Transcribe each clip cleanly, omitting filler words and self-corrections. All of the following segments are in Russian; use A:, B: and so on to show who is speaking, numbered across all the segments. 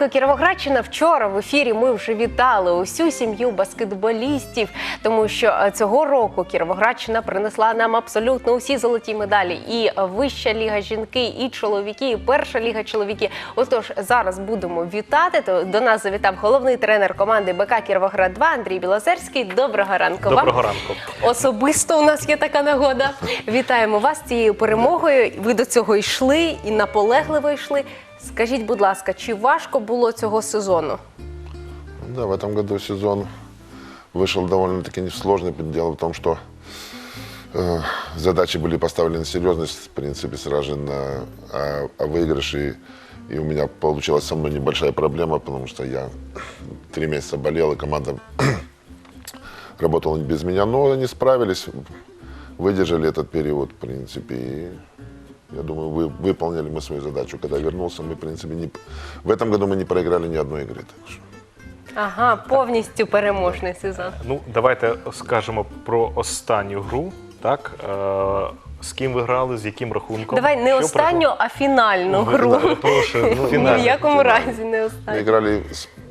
A: ранку, Кіровоградщина. Вчора в ефірі ми вже вітали усю сім'ю баскетболістів, тому що цього року Кіровоградщина принесла нам абсолютно усі золоті медалі. І Вища ліга жінки, і чоловіки, і Перша ліга чоловіки. Отож, зараз будемо вітати. До нас завітав головний тренер команди БК Кіровоград-2 Андрій Білозерський. Доброго ранку вам.
B: Доброго ранку.
A: Особисто у нас є така нагода. Вітаємо вас з цією перемогою. Ви до цього йшли і наполегливо йшли. Скажіть, будь ласка, чи важко було цього сезону?
C: Да, в этом году сезон вышел довольно-таки несложный. Дело в том, что задачи были поставлены серьезно, в принципе, сразу же на выигрыше. И у меня получилась со мной небольшая проблема, потому что я 3 месяца болел, и команда работала без меня. Но они справились, выдержали этот период, в принципе, и я думаю, выполнили мы свою задачу. Когда вернулся, мы, в принципе, в этом году мы не проиграли ни одной игры. Так что...
A: Ага, повністю переможний сезон.
B: Ну, давайте скажемо про останню гру, так? З ким ви грали, з яким рахунком?
A: Давай не останню, а фінальну гру.
B: Прошу,
A: Ні в якому разі не
C: Мы
A: останню.
C: играли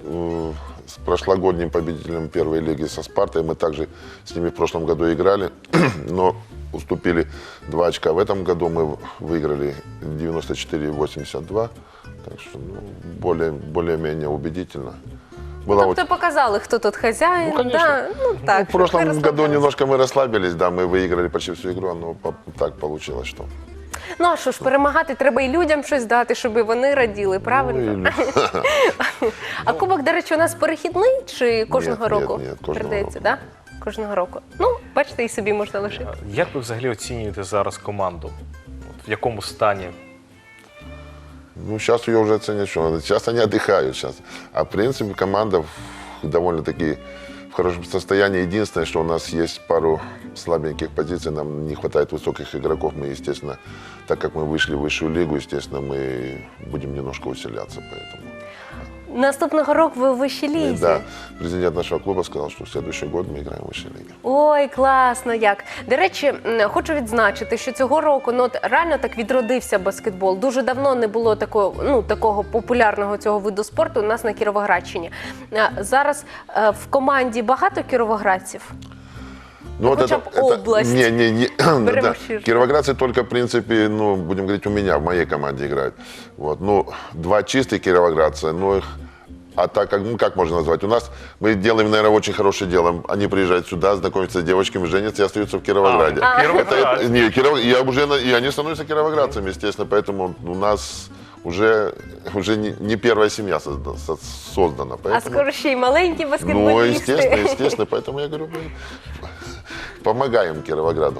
C: с прошлогодним победителем первой лиги со Спартой. Мы также с ними в прошлом году играли, но уступили 2 очка. В этом году мы выиграли 94-82, так что более-менее убедительно.
A: Тобто показали, хто тут хазяїн.
C: Ну, конечно.
A: Да? Ну, так,
C: В прошлом
A: ми
C: году
A: розслабились.
C: немножко мы расслабились, да, мы выиграли почти всю игру, но так получилось, что...
A: Ну, а що ж, перемагати треба і людям щось дати, щоб і вони раділи, правильно? А кубок, до речі, у нас перехідний чи кожного року?
C: Ні, кожного
A: передається,
C: року.
A: да? Кожного року. Ну, бачите, і собі можна лишити.
B: Як ви взагалі оцінюєте зараз команду? От в якому стані?
C: Ну, сейчас ее уже оценят, что сейчас они отдыхают сейчас. А в принципе команда довольно-таки в хорошем состоянии. Единственное, что у нас есть пару слабеньких позиций, нам не хватает высоких игроков. Мы, естественно, так как мы вышли в высшую лигу, естественно, мы будем немножко усиляться, поэтому...
A: Наступного року ви у вищій лізі.
C: Да, президент нашего клуба сказал, что в следующий год мы играем в высшей лиге.
A: Ой, класно як. До речі, хочу відзначити, що цього року реально так відродився баскетбол. Дуже давно не було такого популярного цього виду спорту у нас на Кіровоградщині. Зараз в команді багато кіровоградців?
C: Ну, вот
A: хотя бы область.
C: Да. Кировоградцы только, в принципе, будем говорить, у меня, в моей команде играют. Вот. 2 чистых кировоградца, а так, как можно назвать? У нас мы делаем, наверное, очень хорошее дело. Они приезжают сюда, знакомятся с девочками, женятся и остаются в Кировограде. И они становятся кировоградцами, естественно, поэтому у нас уже не первая семья создана. Поэтому...
A: А скоро ще й маленькі баскетболісти.
C: Ну, естественно, поэтому я говорю, помогаем Кировограду.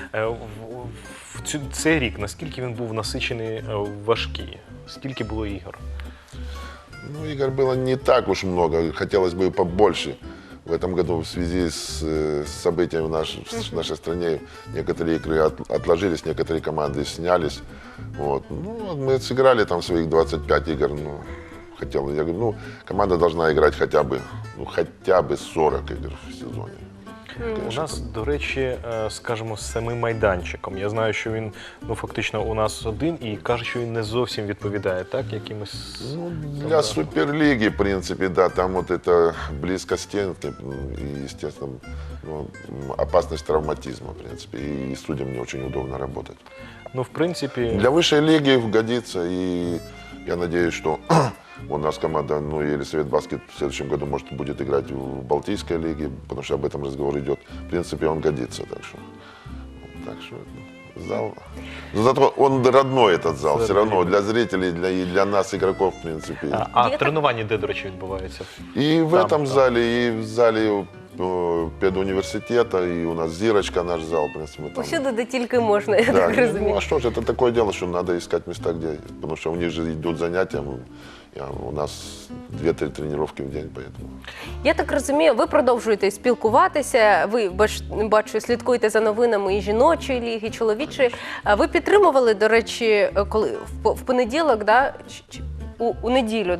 B: Цей рік, наскільки він був насичений, важкий? Скільки було ігор?
C: Ну, игр было не так уж много, хотелось бы побольше. В этом году в связи с событиями в нашей стране некоторые игры отложились, некоторые команды снялись. Вот. Ну, мы сыграли там своих 25 игр. Я говорю, команда должна играть хотя бы 40 игр в сезоне.
B: У нас, до речі, скажімо, з самим майданчиком. Я знаю, що він фактично у нас один і каже, що він не зовсім відповідає, так, якимось...
C: Для Суперлиги, в принципе, да, там вот это близко стенки и, естественно, опасность травматизма, в принципе, и судьям не очень удобно работать.
B: Ну, в принципе...
C: Для высшей лиги годится, и я надеюсь, что у нас команда, Елисавет Баскет в следующем году, может, будет играть в Балтийской лиге, потому что об этом разговор идет. В принципе, он годится, так что зал. Но зато он родной, этот зал, все равно для зрителей, и для нас, игроков, в принципе.
B: А тренування де, до речі, відбувається?
C: И в этом зале, и в зале педуниверситета, и у нас Зирочка, наш зал, в принципе.
A: Усюди, де тільки можна, я
C: Да,
A: так розумію.
C: а что же, это такое дело, что надо искать места, где, потому что у них же идут занятия, у нас 2-3 тренировки в день, поэтому.
A: Я так розумію, ви продовжуєте спілкуватися, ви, бачу, слідкуєте за новинами і жіночої ліги, і чоловічої. Ви підтримували, до речі, коли в понеділок, да? У неділю, да?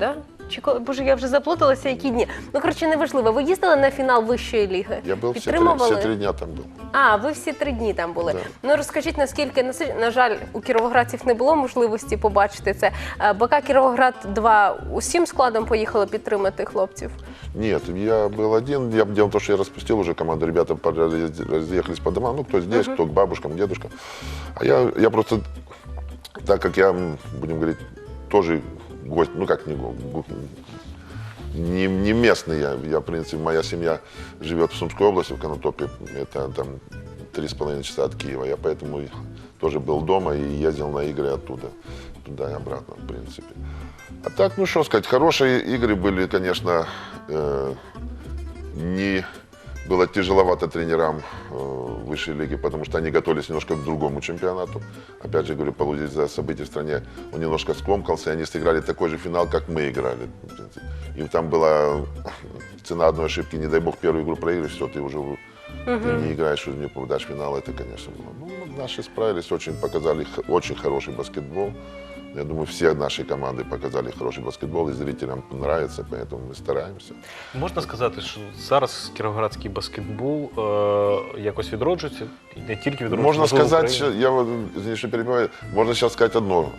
A: Боже, я вже заплуталася, які дні. Ну, коротше, неважливо. Ви їздили на фінал вищої ліги?
C: Я был
A: Підтримували?
C: все 3 дня там был.
A: А, ви всі 3 дні там були.
C: Да.
A: Ну, розкажіть, наскільки, на жаль, у кіровоградців не було можливості побачити це. БК Кіровоград-2 усім складом поїхали підтримати хлопців?
C: Нет, я был один. Дело в том, что я распустил уже команду. Ребята разъехались по домам. Ну, кто здесь, кто к бабушкам, к дедушкам. А я просто, так как я, будем говорить, тоже гость, ну как не местный я, в принципе, моя семья живет в Сумской области, в Конотопе. Это там 3,5 часа от Киева. Я поэтому тоже был дома и ездил на игры оттуда, туда и обратно, в принципе. А так, ну что сказать, хорошие игры были, конечно, не было тяжеловато тренерам высшей лиги, потому что они готовились немножко к другому чемпионату. Опять же, говорю, из-за событий в стране он немножко скомкался, и они сыграли такой же финал, как мы играли. И там была цена одной ошибки, не дай бог, первую игру проиграешь, все, ты уже ты не играешь, уже не попадаешь в финал, это, конечно, было. Ну, наши справились, показали очень хороший баскетбол. Я думаю, все наши команды показали хороший баскетбол, и зрителям нравится, поэтому мы стараемся.
B: Можна сказати, що зараз кіровоградський баскетбол якось відроджується, і не тільки відроджується,
C: Можно
B: можливо, в
C: сказать,
B: Україні.
C: я извини, что перебиваю, можно сейчас сказать одно.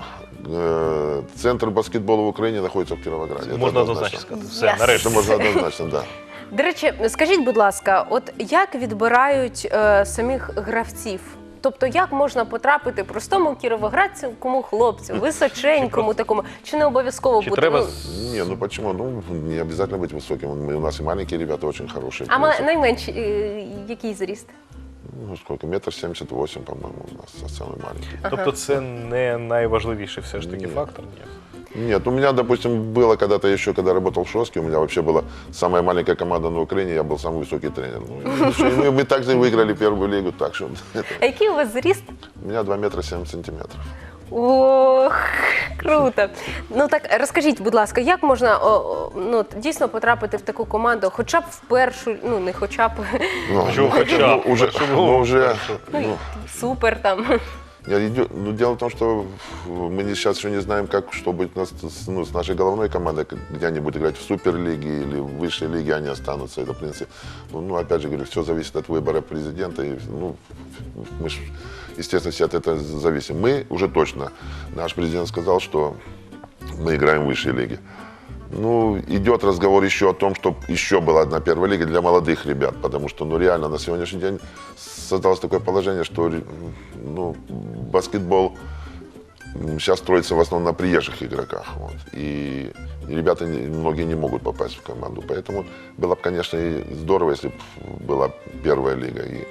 C: Центр баскетбола в Украине находится в Кировограде. Это
B: Можна
C: однозначно.
B: однозначно сказати. Все,
A: Yes.
B: нарешті.
C: Это можно однозначно, да.
A: До речі, скажіть, будь ласка, от як відбирають самих гравців? Тобто, як можна потрапити простому кіровоградському хлопцю, височенькому такому, чи не обов'язково
B: Чи
A: бути?
B: треба
A: Ну,
C: Не, ну почему? Ну, не обязательно быть высоким. У нас и маленькие ребята очень хорошие.
A: а
C: в принципе.
A: найменший який зріст?
C: Ну, сколько? 1,78 м, по-моему, у нас самый маленький.
B: Тобто це не найважливіший все ж таки
C: Ні.
B: фактор? Ні.
C: Нет, у меня, допустим, было когда-то еще, когда работал в Шоске, у меня вообще была самая маленькая команда на Украине, я был самый высокий тренер. Ну, и мы также выиграли первую лигу, так что
A: А який у вас зріст?
C: у меня 2 метра 7 сантиметров.
A: Ох, круто. Ну так розкажіть, будь ласка, як можна ну, дійсно потрапити в таку команду, хоча б в першу, ну не хоча б,
C: Ну,
B: Почему хотя бы?
C: уже,
B: Почему?
C: уже,
A: ну,
C: ну,
A: супер там.
C: ну, дело в том, что мы сейчас еще не знаем, что будет с нашей головной командой, где они будут играть в суперлиге или в высшей лиге, они останутся. Это, в принципе, ну, опять же говорю, все зависит от выбора президента. И, ну, мы, естественно, все от этого зависим. Мы уже точно, наш президент сказал, что мы играем в высшей лиге. Ну, идет разговор еще о том, чтобы еще была одна первая лига для молодых ребят, потому что, ну, реально, на сегодняшний день создалось такое положение, что, ну, баскетбол сейчас строится в основном на приезжих игроках, вот, и ребята многие не могут попасть в команду, поэтому было бы, конечно, и здорово, если бы была первая лига, и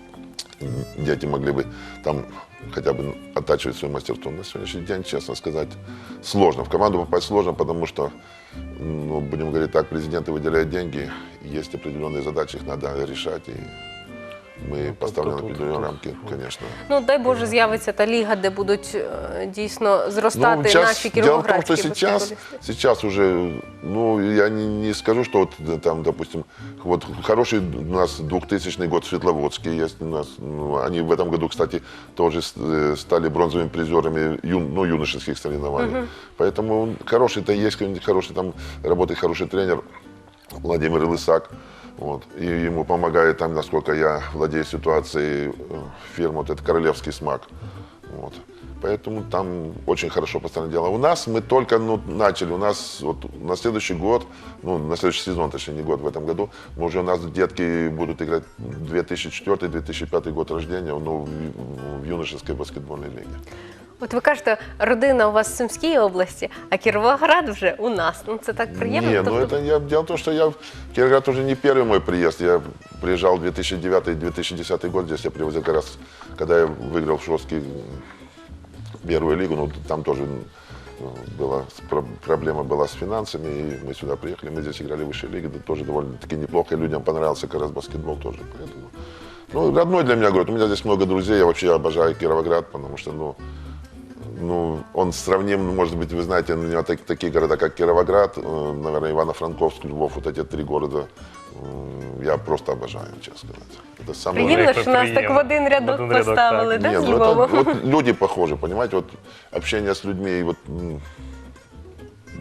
C: дети могли бы там хотя бы оттачивать свое мастерство. На сегодняшний день, честно сказать, сложно. В команду попасть сложно, потому что, ну, будем говорить так, президенты выделяют деньги, есть определенные задачи, их надо решать, и мы поставлены на определенные рамки, конечно.
A: Ну, дай Боже, з'явиться та ліга, де будуть дійсно зростати
C: сейчас,
A: наші
C: дело в том,
A: кіровоградські
C: что
A: баскетболісти.
C: сейчас уже, ну, я не скажу, что вот там, допустим, вот хороший у нас 2000 год Светловодский есть у нас, ну, они в этом году, кстати, тоже стали бронзовыми призерами юношеских соревнований. Поэтому хороший-то есть, хороший там работает хороший тренер Владимир Лысак. Вот. И ему помогает там, насколько я владею ситуацией, фирма, вот это Королевский смак. Вот. Поэтому там очень хорошо постоянно дело. У нас мы только начали, у нас вот на следующий год, ну, на следующий сезон, точнее, не год, в этом году, мы уже у нас детки будут играть 2004-2005 год рождения, ну, в юношеской баскетбольной лиге.
A: От ви кажете, родина у вас в Сумській області, а Кіровоград вже у нас. Ну, це так приємно.
C: Не, ну
A: Тобто-
C: это дело в том, что я в Кировоград уже не первый мой приезд. Я приезжал в 2009-2010 год, здесь я привозил как раз, когда я выиграл в Шостке первую лигу, ну там тоже была проблема была с финансами, и мы сюда приехали, мы здесь играли в высшей лиге, да, тоже довольно-таки неплохо, и людям понравился как раз баскетбол тоже, поэтому. Ну, родной для меня город, у меня здесь много друзей, я вообще обожаю Кировоград, потому что, ну, он сравним, может быть, вы знаете, у него такие города, как Кировоград, наверное, Ивано-Франковск, Львов, вот эти 3 города, я просто обожаю, честно сказать. Это самое...
A: Приємно, що нас так в один рядок
B: В один рядок,
A: поставили,
B: так.
A: да,
C: Не,
A: з
C: ну
A: Львовом?
C: это, вот люди похожи, понимаете, вот общение с людьми, и вот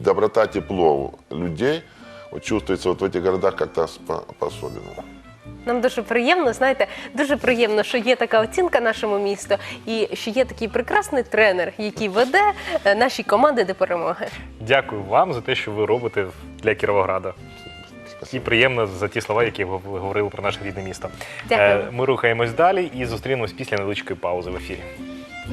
C: доброта, тепло людей вот чувствуется вот в этих городах как-то по-особенному.
A: Нам дуже приємно, знаєте, дуже приємно, що є така оцінка нашому місту і що є такий прекрасний тренер, який веде наші команди до перемоги.
B: Дякую вам за те, що ви робите для Кіровограда. І приємно за ті слова, які ви говорили про наше рідне місто.
A: Дякую.
B: Ми рухаємось далі і зустрінемось після невеличкої паузи в ефірі.